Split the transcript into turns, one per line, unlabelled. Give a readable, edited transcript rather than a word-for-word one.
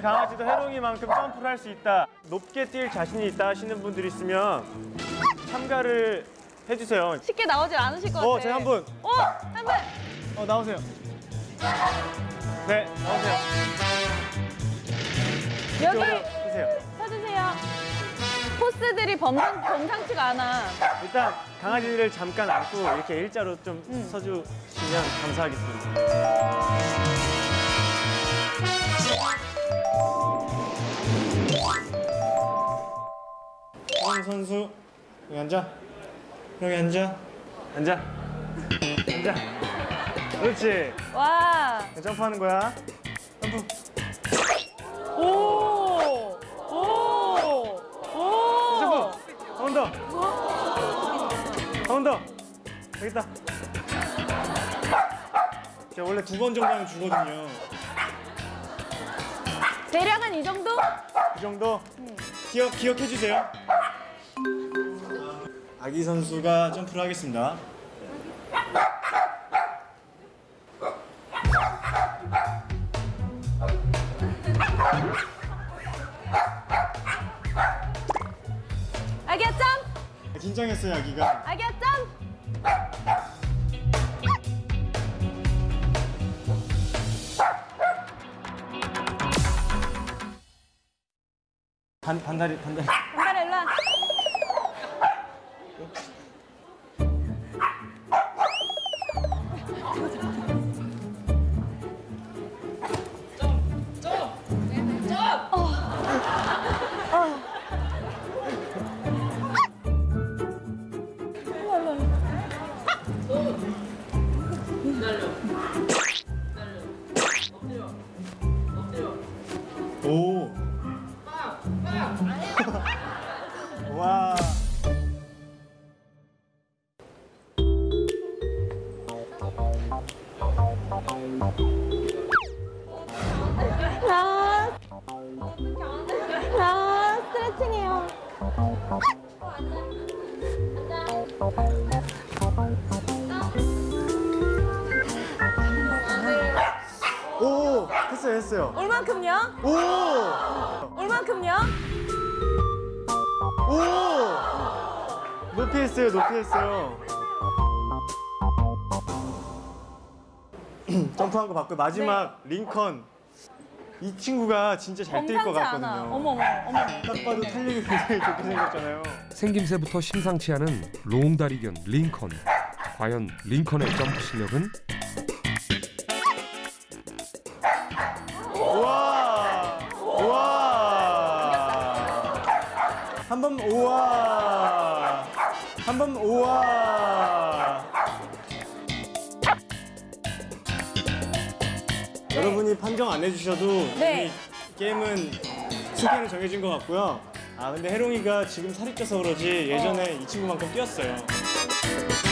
강아지도 해롱이만큼 점프를 할 수 있다, 높게 뛸 자신이 있다 하시는 분들이 있으면 참가를 해주세요.
쉽게 나오질 않으실 것 같아요.
제가 한 분.
한 분.
나오세요. 네, 나오세요.
여기
서주세요.
서주세요. 포스들이 범상치가 않아.
일단 강아지를 잠깐 안고 이렇게 일자로 좀 서주시면 감사하겠습니다. 형 선수 여기 앉아. 여기 앉아. 앉아. 앉아. 그렇지.
와.
점프하는 거야. 점프.
오.
점프. 한 번 더. 한 번 더. 여기 있다. 제가 원래 2번 정도 하면 주거든요.
대략은 이 정도?
이 정도? 기억해 주세요. 아기 선수가 점프를 하겠습니다.
아기야 점!
긴장했어요, 아기가.
아기야 점!
반다리.
반달에 일로 와.
오. 와.
스트레칭해요.
오, 했어요.
얼만큼요?
오.
얼만큼요?
오. 높이 했어요. 점프한 거 봤고 마지막 링컨. 이 친구가 진짜 잘 뛸 것
범상치
같거든요.
않아. 어머.
딱 봐도 탄력이 굉장히 좋게 생겼잖아요.
생김새부터 심상치 않은 롱다리견 링컨. 과연 링컨의 점프 실력은?
우와. 한 번 우와. 여러분이 판정 안 해주셔도
네.
이미 게임은 승패는 정해진 것 같고요. 근데 해롱이가 지금 살이 쪄서 그러지 예전에 이 친구만큼 뛰었어요.